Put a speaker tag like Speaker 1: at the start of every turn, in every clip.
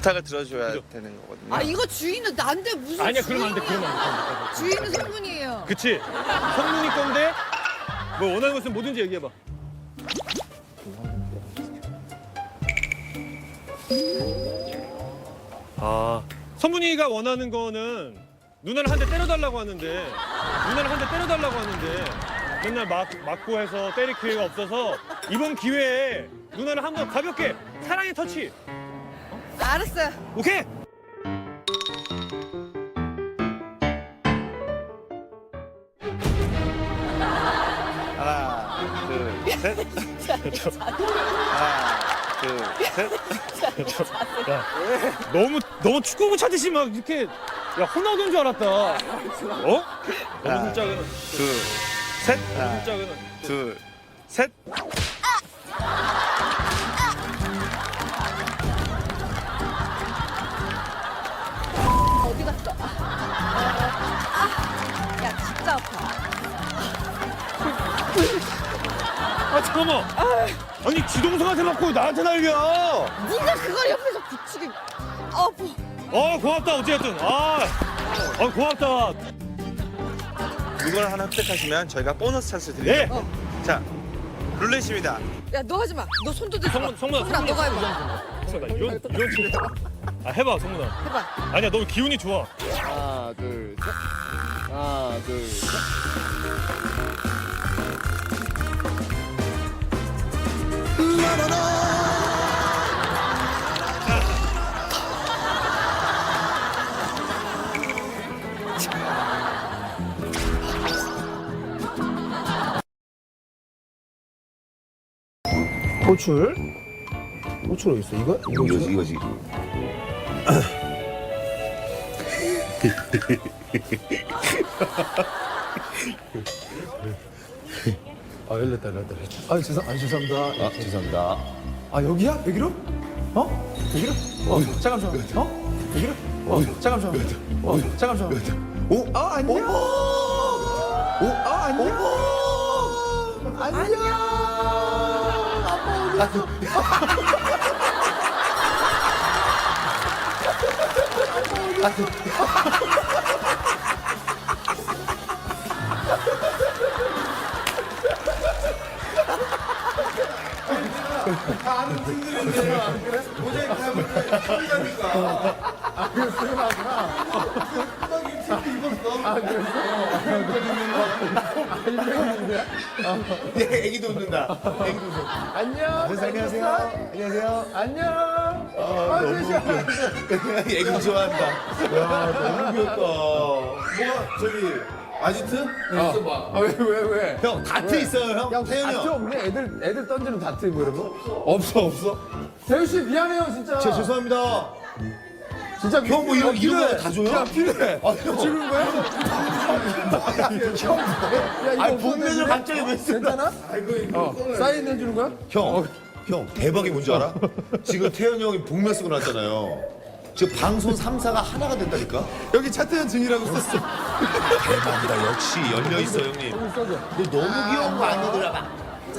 Speaker 1: 부탁을 들어줘야
Speaker 2: 그죠?
Speaker 1: 되는 거거든요.
Speaker 3: 아 이거 주인은 나인데 무슨
Speaker 2: 아니야, 그러면 안 돼,
Speaker 3: 주인이야.
Speaker 2: 그러면 안 돼.
Speaker 3: 주인은 성분이에요.
Speaker 2: 그치? 성문이 건데 뭐 원하는 거 있으면 뭐든지 얘기해봐. 아, 성문이가 원하는 거는 누나를 한 대 때려달라고 하는데 맨날 맞고 해서 때릴 기회가 없어서 이번 기회에 누나를 한번 가볍게 사랑의 터치.
Speaker 3: 알았어요.
Speaker 2: 오케이?
Speaker 1: 하나, 둘, 셋. 하나, 둘, 셋.
Speaker 2: 야, 너무 축구부 찾듯이 막 이렇게 야 호나우두인 줄 알았다. 어? 너무 슬쩍은
Speaker 1: 둘, 셋. 하나,
Speaker 2: 슬쩍은
Speaker 1: 둘, 셋.
Speaker 3: 어디 갔어? 야 진짜 아파.
Speaker 2: 아 잠깐만. 아니 지동생한테 맞고 나한테 날려.
Speaker 3: 네가 그걸 옆에서 붙이기. 아파.
Speaker 2: 고맙다 어쨌든. 고맙다.
Speaker 1: 이걸 하나 획득하시면 저희가 보너스 찬스
Speaker 2: 네.
Speaker 1: 드립니다. 자, 룰렛입니다.
Speaker 3: 야 너 하지 마. 너 손도 대지 마.
Speaker 2: 성문아
Speaker 3: 너가 해봐.
Speaker 2: 성문아 이런 진짜. 해봐 성문아.
Speaker 3: 해봐.
Speaker 2: 아니야 너 기운이 좋아.
Speaker 4: 하나, 둘, 셋. 하나, 둘, 셋.
Speaker 5: 호출? 호출 어디 있어? 이거?
Speaker 4: 이거지.
Speaker 5: 아 열렸다. 죄송합니다.
Speaker 4: 아, 죄송합니다.
Speaker 5: 아 여기야? 여기로? 어? 여기로? 잠깐만. 여기로? 잠깐만. 잠깐만. 오? 아 안녕. 오? 아 안녕. 안녕. 아빠 어디?
Speaker 4: 애기도 웃는다.
Speaker 5: 안녕. 안녕하세요. 안녕.
Speaker 4: 애기도 좋아한다. 야, 너무 귀엽다. 뭐가 저기 아지트?
Speaker 5: 왜?
Speaker 4: 형 다트 있어요, 형. 태현이
Speaker 5: 다트
Speaker 4: 형.
Speaker 5: 없네. 애들 던지는 다트 뭐 이런 거? 없어. 태우 씨 미안해요 진짜.
Speaker 4: 제 죄송합니다.
Speaker 5: 진짜
Speaker 4: 형 뭐 이런 거 다 줘요?
Speaker 5: 야 필요해.
Speaker 4: 아, 형.
Speaker 5: 지금 거야? 형.
Speaker 4: 아니 본면을 갑자기 왜 쓰나?
Speaker 5: 괜찮아? 사인 해주는 거야?
Speaker 4: 형 대박이 뭔지 알아? 지금 태현이 형이 복면 쓰고 났잖아요. 지금 방송 3사가 하나가 된다니까?
Speaker 5: 여기 차태현 증이라고 썼어.
Speaker 4: 대박이다. 역시 열려 있어, 형님. 근데 너무 귀여운 거 아니더라.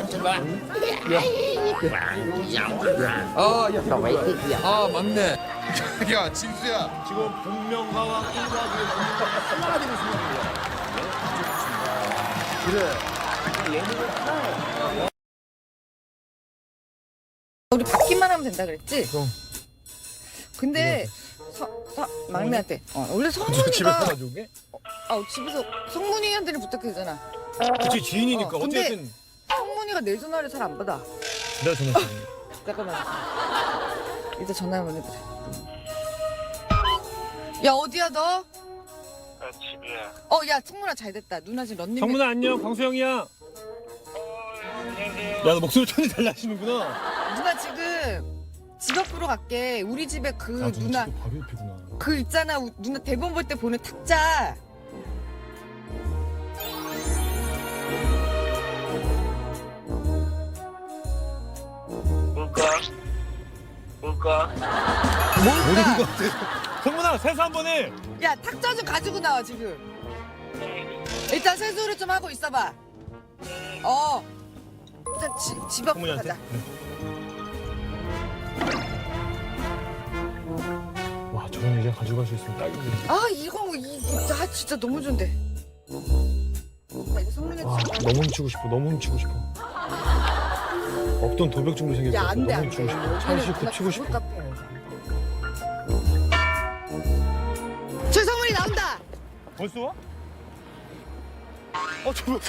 Speaker 5: 아 맞네.
Speaker 4: 야, 진수야. 지금 복면가와 1박 2일 하나가 되고 있습니다.
Speaker 3: 우리 받기만 하면 된다 그랬지? 근데 막내한테 원래 성문이가
Speaker 2: 가져오게?
Speaker 3: 집에서 성문이한테는 부탁해주잖아.
Speaker 2: 그치 지인이니까
Speaker 3: 근데-
Speaker 2: 어쨌든
Speaker 3: 성문이가 내 전화를 잘 안 받아.
Speaker 2: 내가 전화했어.
Speaker 3: 잠깐만. 이제 전화 한번 해보자. 야 어디야 너? 집이야. 야 성문아 잘 됐다. 누나 지금 런닝.
Speaker 2: 성문아 안녕 광수형이야. 야 너 목소리 톤이 달라지는구나.
Speaker 3: 누나 지금 집 앞으로 갈게. 우리 집에 그 누나
Speaker 2: 바로 옆이구나.
Speaker 3: 그 있잖아. 누나 대본 볼 때 보는 탁자.
Speaker 1: 뭘까?
Speaker 3: 뭘까?
Speaker 2: 성문아 세수 한 번 해.
Speaker 3: 야 탁자 좀 가지고 나와 지금. 일단 세수를 좀 하고 있어봐. 일단 집 앞으로
Speaker 2: 성문이한테?
Speaker 3: 가자.
Speaker 2: 가져갈 수 있으면 딱인데.
Speaker 3: 아 아 진짜 너무 좋은데. 나 이거 선물해 줘.
Speaker 2: 너무 훔치고 싶어. 너무 훔치고 싶어. 없던 도벽증도 생겼어.
Speaker 3: 야, 안 돼,
Speaker 2: 너무
Speaker 3: 안
Speaker 2: 훔치고
Speaker 3: 돼.
Speaker 2: 싶어. 차 싣고 치고 싶어.
Speaker 3: 저 선물이 나온다.
Speaker 2: 벌써 와? 저러고.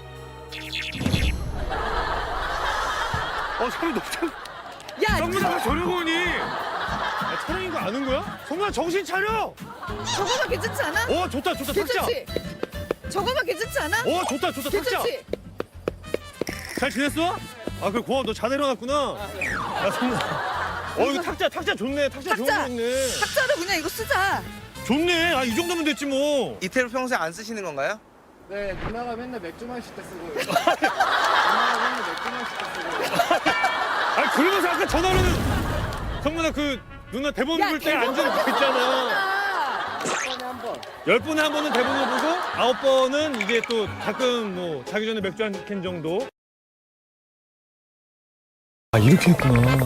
Speaker 2: 사람이 너무 잘.
Speaker 3: 야,
Speaker 2: 성문아 저러고 오니. 촬영인 거 아는 거야? 성문아 정신 차려.
Speaker 3: 저거만 괜찮지 않아?
Speaker 2: 좋다 탁자.
Speaker 3: 괜찮지? 저거만 괜찮지 않아?
Speaker 2: 좋다 탁자.
Speaker 3: 괜찮지?
Speaker 2: 잘 지냈어? 그래 고마워. 너 잘 일어났구나. 야 성문아. 이거 탁자 좋네. 탁자 좋은 거
Speaker 3: 탁자.
Speaker 2: 있네.
Speaker 3: 탁자로 그냥 이거 쓰자.
Speaker 2: 좋네. 이 정도면 됐지 뭐.
Speaker 1: 이태로 평소에 안 쓰시는 건가요?
Speaker 5: 네, 누나가 맨날 맥주 마실 때 쓰고. 누나가 맨날 맥주 마실 때 쓰고.
Speaker 2: 그러면서 아까 전화로는 성문아 누나 대본 볼 때 앉은 거 있잖아.
Speaker 5: 1번에 한 번.
Speaker 2: 10번에 한 번은 대본을 보고 9번은 이게 또 가끔 뭐 자기 전에 맥주 한 캔 정도. 이렇게 했구나.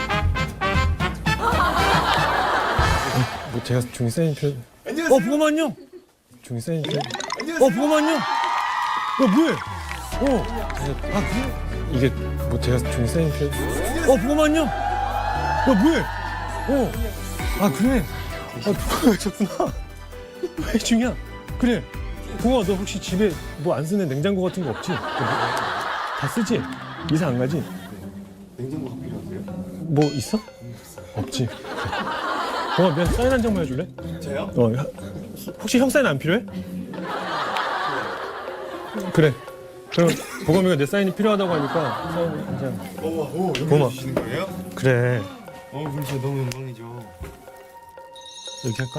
Speaker 2: 제가 종이 사인 표. 보고만 안녕. 종이 사인 표. 보고만 안녕. 뭐해? 그래? 이게 제가 종이 사인 표. 보고만 안녕. 뭐해? 그래. 줬구나. 왜 중이야? 그래. 동아, 너 혹시 집에 뭐 안 쓰는 냉장고 같은 거 없지? 다 쓰지? 이사 안 가지? 냉장고가 필요하세요? 뭐 있어? 없지. 동아, 미안, 사인 한 장만 해줄래?
Speaker 4: 저요?
Speaker 2: 혹시 형 사인 안 필요해? 그래. 그럼 보검이가 내 사인이 필요하다고 하니까 사인 한 장. 고마워.
Speaker 4: 주시는 거예요?
Speaker 2: 그래.
Speaker 6: 그럼 진짜 너무 영광이죠.
Speaker 2: 이렇게 할까?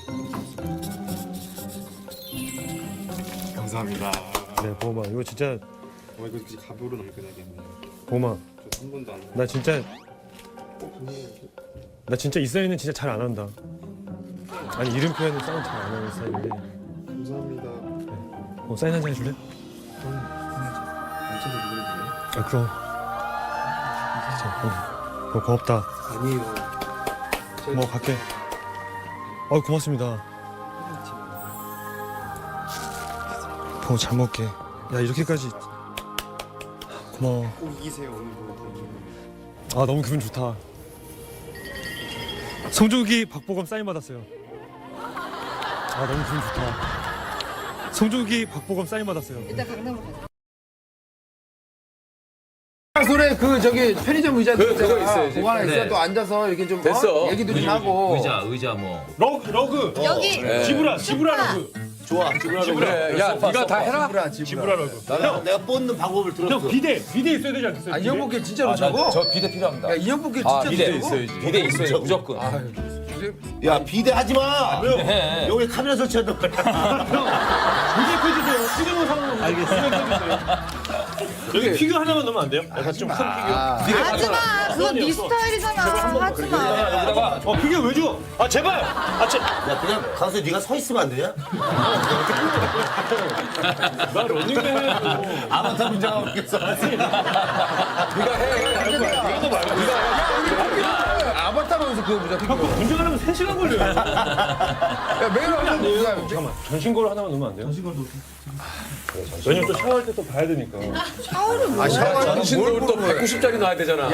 Speaker 6: 감사합니다.
Speaker 2: 네, 보검아, 이거 진짜
Speaker 6: 이거 진짜 가보로 남겨놔야겠네.
Speaker 2: 보검아.
Speaker 6: 저 한 번도 안.
Speaker 2: 나 진짜 이 사인은 진짜 잘 안 한다. 아니 이름 표현은 사인 잘 안 하는 스타일인데.
Speaker 6: 감사합니다.
Speaker 2: 사인 한 장 해줄래?
Speaker 6: 엄청 잘
Speaker 2: 그럼. 진짜 고맙다.
Speaker 6: 아니에요.
Speaker 2: 갈게. 고맙습니다. 잘 먹게. 야 이렇게까지. 고마워.
Speaker 6: 꼭 이기세요 오늘도.
Speaker 2: 너무 기분 좋다. 송중기 박보검 사인 받았어요. 너무 기분 좋다. 송중기 박보검 사인 받았어요.
Speaker 3: 일단 강남으로 가자.
Speaker 5: 소래 저기 편의점 의자
Speaker 7: 그거 있어야지.
Speaker 5: 그거 하나 있어.
Speaker 7: 네.
Speaker 5: 또 앉아서 이렇게 좀
Speaker 7: 됐어.
Speaker 5: 얘기도 좀 하고.
Speaker 7: 의자 뭐.
Speaker 2: 러그.
Speaker 3: 여기
Speaker 2: 지브라 러그.
Speaker 4: 좋아.
Speaker 7: 그래. 야, 네가 다 해라.
Speaker 2: 지브라 러그.
Speaker 4: 내가 뽑는 방법을 들었어.
Speaker 2: 형 비대 있어야 되지 않겠어요?
Speaker 5: 아, 이 형복길 진짜로 저거?
Speaker 7: 저 비대 필요합니다.
Speaker 5: 야, 이 형복길 진짜
Speaker 7: 비대
Speaker 5: 저거?
Speaker 7: 있어야지. 비대 있어야 돼, 무조건.
Speaker 4: 야 비대 하지 마.
Speaker 7: 네.
Speaker 4: 여기 카메라 설치한단 말이야.
Speaker 2: 비대 해주세요. 찍어놓은 상황. 알겠습니다. 여기 피규어 하나만 넣으면 안 돼요? 약간 좀 큰 피규어.
Speaker 3: 하지마. 그건 네 스타일이잖아. 하지마.
Speaker 7: 여기다가
Speaker 2: 피규어 왜 줘? 제발.
Speaker 4: 야 그냥 가서 네가 서 있으면 안 되냐?
Speaker 2: 나 런닝맨 해야죠.
Speaker 4: 아바타 분장하고 있겠어.
Speaker 7: 네가
Speaker 5: 아바타로서 그거 보자.
Speaker 2: 형 분장하려면 3시간 걸려요.
Speaker 5: 야, 매일 하는 거야.
Speaker 2: 잠깐만. 전신거를 하나만 넣으면 안 돼요? 전신거도. 왜냐면 또 샤워할 때 또 봐야 되니까.
Speaker 3: 샤워를 뭐.
Speaker 7: 전신도 또 190짜리 놔야 되잖아.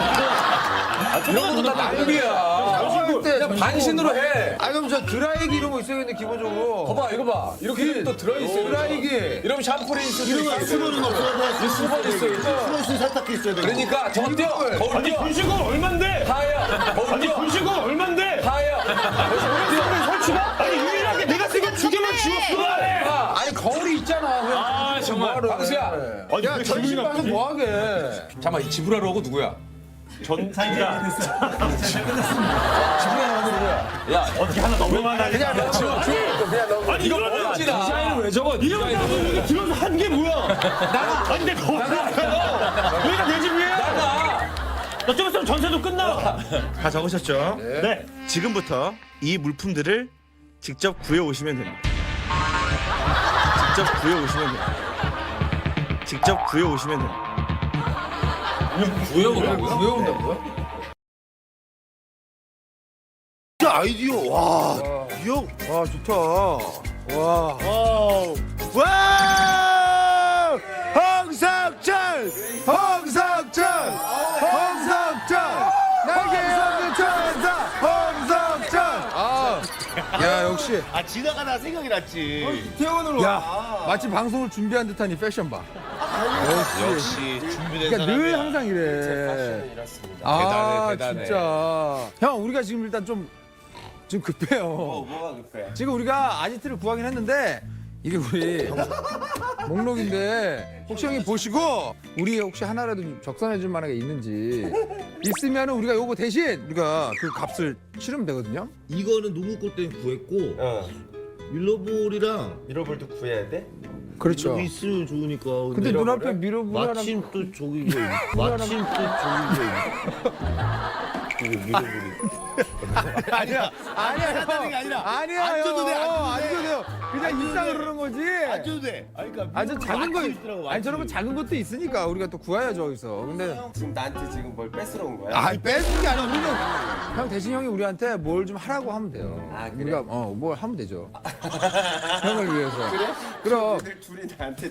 Speaker 7: 이런 것도 다 낭비야. 그냥 반신으로 해.
Speaker 5: 그럼 저 드라이기 이런 거 있어야겠네, 기본적으로.
Speaker 7: 봐봐, 이거 봐. 이렇게 또 들어있어.
Speaker 5: 드라이기.
Speaker 7: 이러면 샴푸리스 이런
Speaker 4: 수건은 없어야
Speaker 7: 수건 있어.
Speaker 4: 플러스 세탁기 있어야 돼.
Speaker 7: 그러니까 더 뛰어. 더
Speaker 2: 아니
Speaker 7: 뛰어.
Speaker 2: 분신거 얼만데?
Speaker 7: 하야. 더
Speaker 2: 아니
Speaker 7: 뛰어.
Speaker 2: 분신거 얼만데?
Speaker 7: 하야.
Speaker 2: 설치가? 아니 유일하게 내가 쓰기엔 2개만 지웠어.
Speaker 5: 아니, 거울이 있잖아.
Speaker 7: 아, 정말. 광수야.
Speaker 5: 야, 전신 가서 뭐 하게.
Speaker 7: 잠깐만, 이 지브라로고 누구야?
Speaker 2: 전사이가
Speaker 7: 야,
Speaker 2: 어떻게 하나 넘어가나?
Speaker 5: 그냥 너.
Speaker 2: 아니 이거
Speaker 7: 멋지다. 디자인을 왜 적어?
Speaker 2: 이러면 이게 들어서 한 게 뭐야? 아니 내가 어디가요? 여기가 내 집이에요? 나 좀 있으면 전세도 끝나.
Speaker 1: 다 적으셨죠?
Speaker 2: 네.
Speaker 1: 지금부터 이 물품들을 직접 구해 오시면 됩니다. 직접 구해 오시면 됩니다. 직접 구해 오시면 됩니다.
Speaker 7: 구해온다고요?
Speaker 5: 왜 온다고요?
Speaker 4: 진짜 아이디어 와. 이 형.
Speaker 5: 와 좋다. 와.
Speaker 4: 와! 홍석천! 홍석천! 홍석천! 나게 홍석천! 홍석천!
Speaker 5: 야 역시.
Speaker 4: 아 지나가다 생각이 났지.
Speaker 5: 태원으로. 야 마치 방송을 준비한 듯한 이 패션 봐.
Speaker 4: 역시 준비된
Speaker 5: 그러니까 늘
Speaker 4: 사람이야.
Speaker 5: 항상 이래. 아 진짜. 형 우리가 지금 일단 좀 급해요.
Speaker 6: 뭐가 급해?
Speaker 5: 지금 우리가 아지트를 구하긴 했는데 이게 우리 목록인데 혹시 형이 보시고 우리 혹시 하나라도 좀 적선해 줄 만한 게 있는지 있으면 우리가 요거 대신 우리가 그 값을 치르면 되거든요.
Speaker 4: 이거는 농구골 때문에 구했고
Speaker 6: 어.
Speaker 4: 밀러볼이랑
Speaker 6: 미러볼도 구해야 돼?
Speaker 5: 그렇죠.
Speaker 4: 여기 있으면 좋으니까.
Speaker 5: 근데 눈앞에 미러볼
Speaker 4: 마침 또 저기 마침 또 저기 이거 밀어버리. 아니야 하다는 게 아니라
Speaker 5: 아니야
Speaker 4: 안 줘도 돼, 안 줘도
Speaker 5: 안
Speaker 4: 돼.
Speaker 5: 줘도 돼요. 그냥 일상 그러는 거지.
Speaker 4: 안 줘도 돼. 아니 그러니까
Speaker 5: 아저 작은 거
Speaker 4: 있더라고,
Speaker 5: 아니 저런 거 작은 것도 있으니까 우리가 또 구해야죠 여기서. 근데
Speaker 6: 지금 나한테 지금 뭘 뺏으러 온 거야?
Speaker 5: 아니 뺏은 게 아니라 우리는 형 대신 형이 우리한테 뭘 좀 하라고 하면 돼요.
Speaker 6: 아, 그래?
Speaker 5: 우리가 뭘 하면 되죠. 형을 위해서. 그래? 그럼.
Speaker 6: 늘 둘이 나한테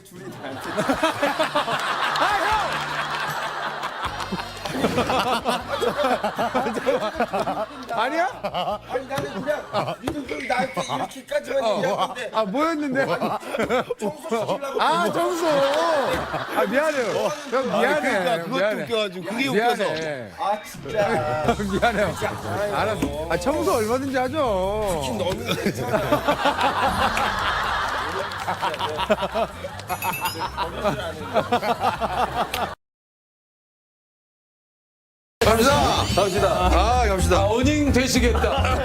Speaker 5: 아니야?
Speaker 6: 아니 나는 그냥 니들 나한테 이렇게까지만 얘기하는데
Speaker 5: 뭐였는데?
Speaker 6: 청소시키려고
Speaker 5: 아 청소. 미안해요. 형 미안해.
Speaker 4: 그러니까 그것도
Speaker 5: 미안해.
Speaker 4: 웃겨가지고 그게 웃겨서.
Speaker 5: 미안해.
Speaker 6: 아 진짜
Speaker 5: 미안해요. 알았어. 청소 얼마든지 하죠.
Speaker 6: 너는 괜찮아.
Speaker 7: 갑시다.
Speaker 5: 갑시다.
Speaker 7: 어닝 되시겠다.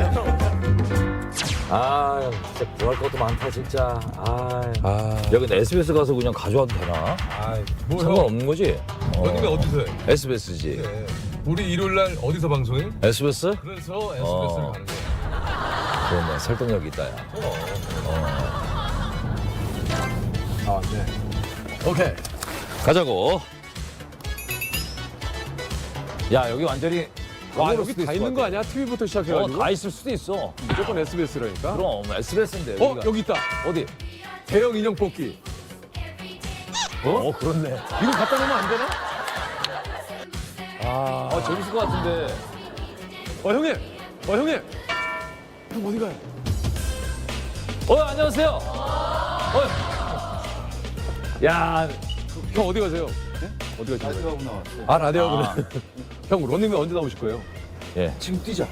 Speaker 8: 아, 진짜 구할 것도 많다 진짜. 여기 SBS 가서 그냥 가져와도 되나? 상관없는 거지?
Speaker 7: 어닝이 어디서 해?
Speaker 8: SBS지.
Speaker 7: 우리 일요일 날 어디서 방송해?
Speaker 8: SBS?
Speaker 7: 그래서 SBS를
Speaker 8: 어.
Speaker 7: 가는 거야.
Speaker 8: 그러네, 설득력 있다, 야.
Speaker 7: 오케이.
Speaker 8: 가자고. 야, 여기 완전히.
Speaker 7: 와, 여기 다 있는 거 아니야? TV부터 시작해가지고.
Speaker 8: 다 있을 수도 있어.
Speaker 7: 무조건 SBS라니까.
Speaker 8: 그럼 SBS인데.
Speaker 7: 여기 있다.
Speaker 8: 어디?
Speaker 7: 대형 인형 뽑기.
Speaker 8: 그렇네.
Speaker 7: 이거 갖다 놓으면 안 되나?
Speaker 8: 재밌을 것 같은데.
Speaker 7: 형님. 형님. 형 어디 가요?
Speaker 8: 안녕하세요. 야,
Speaker 7: 형 어디 가세요? 어디 가세요? 라디오하고 나왔어. 라디오하고. 형 런닝맨 언제 나오실 거예요?
Speaker 8: 예.
Speaker 4: 지금 뛰자.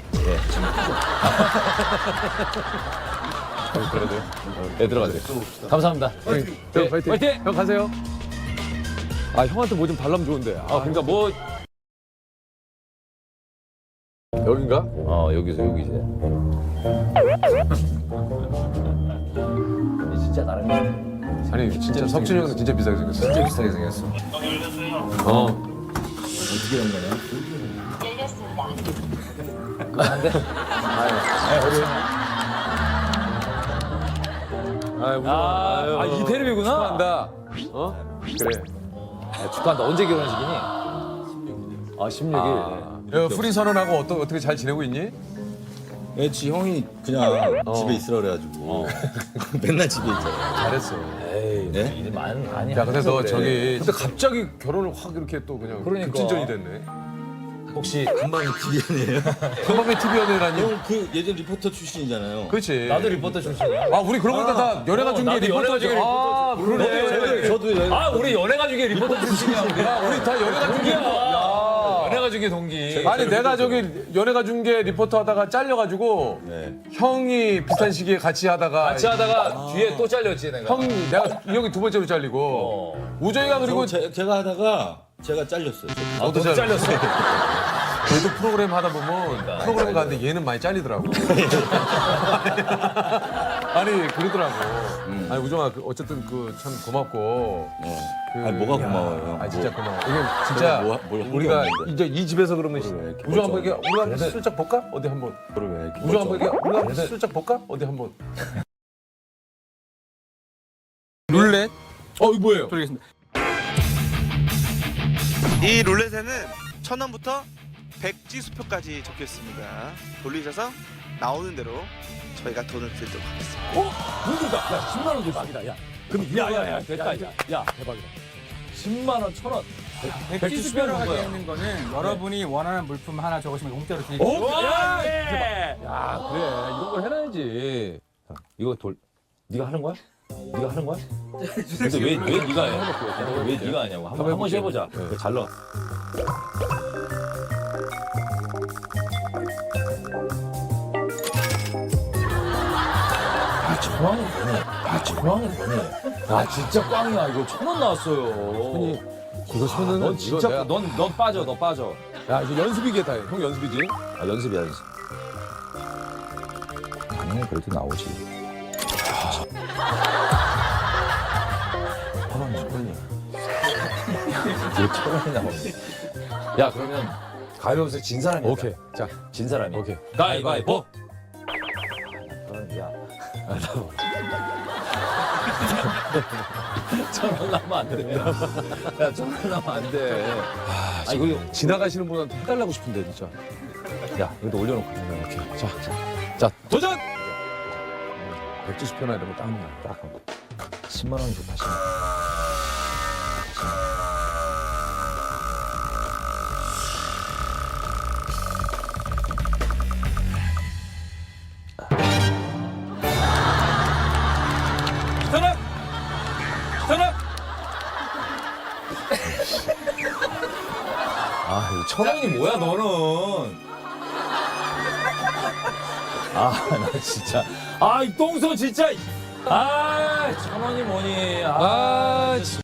Speaker 8: 그래도. 네, 들어가세요. 감사합니다.
Speaker 7: 형 파이팅.
Speaker 8: 파이팅!
Speaker 7: 형 가세요. 형한테 뭐 좀 달라면 좋은데.
Speaker 8: 그러니까 뭐.
Speaker 7: 여긴가?
Speaker 8: 여기서. 진짜 나름.
Speaker 7: 아니 진짜 석준이 형도 진짜 비싸게 생겼어.
Speaker 8: 진짜 비싸게 생겼어.
Speaker 4: 어떻게 한 거냐?
Speaker 8: 이 테레비구나.
Speaker 7: 축하한다. 그래.
Speaker 8: 축하한다. 언제 결혼식이니? 16일.
Speaker 7: 프리 선언하고 어떻게 잘 지내고 있니?
Speaker 1: 지 형이 그냥 집에 있으라 그래가지고 맨날 집에 있잖아.
Speaker 7: 잘했어.
Speaker 8: 에이,
Speaker 1: 네?
Speaker 8: 일이 많이
Speaker 7: 야, 그래서
Speaker 8: 그래.
Speaker 7: 근데 갑자기 결혼을 확 이렇게 또 그냥
Speaker 8: 그러니까.
Speaker 7: 급진전이 됐네.
Speaker 1: 혹시 금방 TV연이에요?
Speaker 7: 한밤에 TV 연애라니?
Speaker 1: 형 그 예전 리포터 출신이잖아요.
Speaker 7: 그렇지.
Speaker 8: 나도 리포터 출신이야.
Speaker 7: 우리 그런 거다 연예가 중계
Speaker 8: 나도 연예가 중계
Speaker 7: 리포터죠. 그러네.
Speaker 1: 저도
Speaker 8: 우리 연예가 중에 리포터 출신이야.
Speaker 7: 우리 다 연예가 중계.
Speaker 8: 연예가 중에 동기.
Speaker 7: 아니 내가 저기 연예가 중계 리포터 하다가 잘려가지고 형이 비슷한 시기에 같이 하다가
Speaker 8: 뒤에 또 잘렸지 내가.
Speaker 7: 내가 이 형이 두 번째로 잘리고 우정이가 그리고
Speaker 1: 제가 하다가 제가 잘렸어요.
Speaker 7: 너도
Speaker 8: 잘렸어.
Speaker 7: 저도 프로그램 하다 보면 프로그램 가는데 얘는 많이 잘리더라고. 아니 그러더라고. 아니 우정아 어쨌든 참 고맙고.
Speaker 1: 아니 뭐가 고마워요.
Speaker 7: 진짜 고마워. 이게 진짜
Speaker 1: 뭘 한 게
Speaker 7: 우리가
Speaker 1: 없는데.
Speaker 7: 이제 이 집에서 그러면
Speaker 1: 이렇게
Speaker 7: 우정 한번
Speaker 1: 멀쩡하게.
Speaker 7: 우리 한번 슬쩍 볼까? 어디 한번.
Speaker 1: 왜 이렇게
Speaker 7: 우정 한번
Speaker 1: 멀쩡해?
Speaker 7: 우리 한번 슬쩍 볼까? 어디 한번. 룰렛? 이거 뭐예요?
Speaker 1: 이 룰렛에는 1,000원부터
Speaker 9: 백지수표까지 적혀 있습니다. 돌리셔서 나오는 대로 저희가 돈을 드리도록 하겠습니다.
Speaker 8: 문제다. 야, 10만 원 대박이다. 야, 그럼 야야야 됐다. 야, 대박이다. 10만 원, 1,000원.
Speaker 2: 백지수표라고 되어 있는 거는 여러분이 원하는 물품 하나 적으시면 공짜로 드릴게요.
Speaker 8: 야, 그래. 이런 걸 해놔야지. 자, 이거 네가 하는 거야? 네가 하는 거야? 근데 왜 네가 해? 왜 네가 하냐고. 한 번씩 해보자. 잘 넣어. 천원이 뭐니? 아, 진짜 꽝이야. 이거 1,000원 나왔어요.
Speaker 5: 이거 손은
Speaker 8: 넌 진짜
Speaker 5: 이거 내가-
Speaker 8: 넌 빠져. 너 빠져.
Speaker 5: 야 이제 연습이겠다. 형 연습이지?
Speaker 8: 아, 연습이야, 연습. 당연히 그래도 나오지. 1,000원이. 왜 1,000원이 나오니? 야, 그러면 가위바위보에서 진 사람이.
Speaker 5: 오케이. 자,
Speaker 8: 진 사람이.
Speaker 5: 오케이.
Speaker 8: 가위바위보. 야. 1,000원 나면 안 돼. 야, 1,000원 나면 안 돼.
Speaker 5: 아, 이거 지나가시는 분한테 해달라고 싶은데 진짜.
Speaker 8: 야, 이것도 올려놓고.
Speaker 5: 오케이. 자, 도전. 백지수표나 이런 거 딱.
Speaker 8: 딱 10만 원이 좋다. 10만 원. 아, 이 1,000원이 뭐야, 너는? 아, 나 진짜. 아, 이 똥손 진짜. 아, 1,000원이 뭐니.
Speaker 5: 아,